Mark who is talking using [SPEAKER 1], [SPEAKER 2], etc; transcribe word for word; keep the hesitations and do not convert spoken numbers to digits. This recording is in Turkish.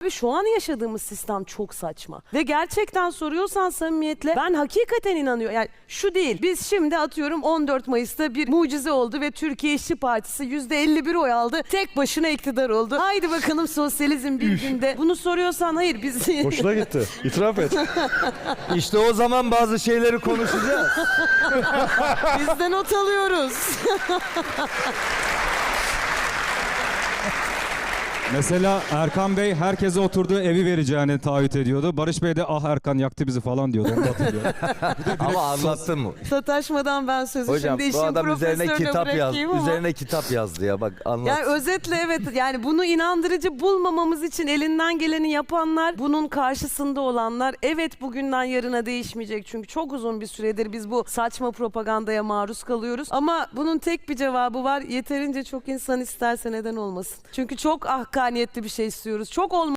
[SPEAKER 1] Ve şu an yaşadığımız sistem çok saçma. Ve gerçekten soruyorsan samimiyetle ben hakikaten inanıyorum. Yani şu değil. Biz şimdi atıyorum on dört Mayıs'ta bir mucize oldu ve Türkiye İşçi Partisi yüzde elli bir oy aldı. Tek başına iktidar oldu. Haydi bakalım sosyalizm bir günde. Bunu soruyorsan hayır biz...
[SPEAKER 2] Hoşuna gitti. İtiraf et.
[SPEAKER 3] İşte o zaman bazı şeyleri konuşacağız.
[SPEAKER 1] Biz de not alıyoruz.
[SPEAKER 4] Mesela Erkan Bey herkese oturduğu evi vereceğini taahhüt ediyordu. Barış Bey de ah Erkan yaktı bizi falan diyordu. Onu da hatırlıyorum.
[SPEAKER 3] Ama anlattın mı?
[SPEAKER 1] Sataşmadan ben sözü
[SPEAKER 3] Hocam
[SPEAKER 1] şimdi
[SPEAKER 3] bu
[SPEAKER 1] işin
[SPEAKER 3] adam üzerine
[SPEAKER 1] profesörüne
[SPEAKER 3] kitap yaz,
[SPEAKER 1] bırakayım ama.
[SPEAKER 3] üzerine kitap yazdı ya, bak anlat.
[SPEAKER 1] Yani özetle evet, yani bunu inandırıcı bulmamamız için elinden geleni yapanlar, bunun karşısında olanlar, evet bugünden yarına değişmeyecek. Çünkü çok uzun bir süredir biz bu saçma propagandaya maruz kalıyoruz. Ama bunun tek bir cevabı var. Yeterince çok insan isterse neden olmasın. Çünkü çok hakkaniyetli bir şey istiyoruz. Çok olma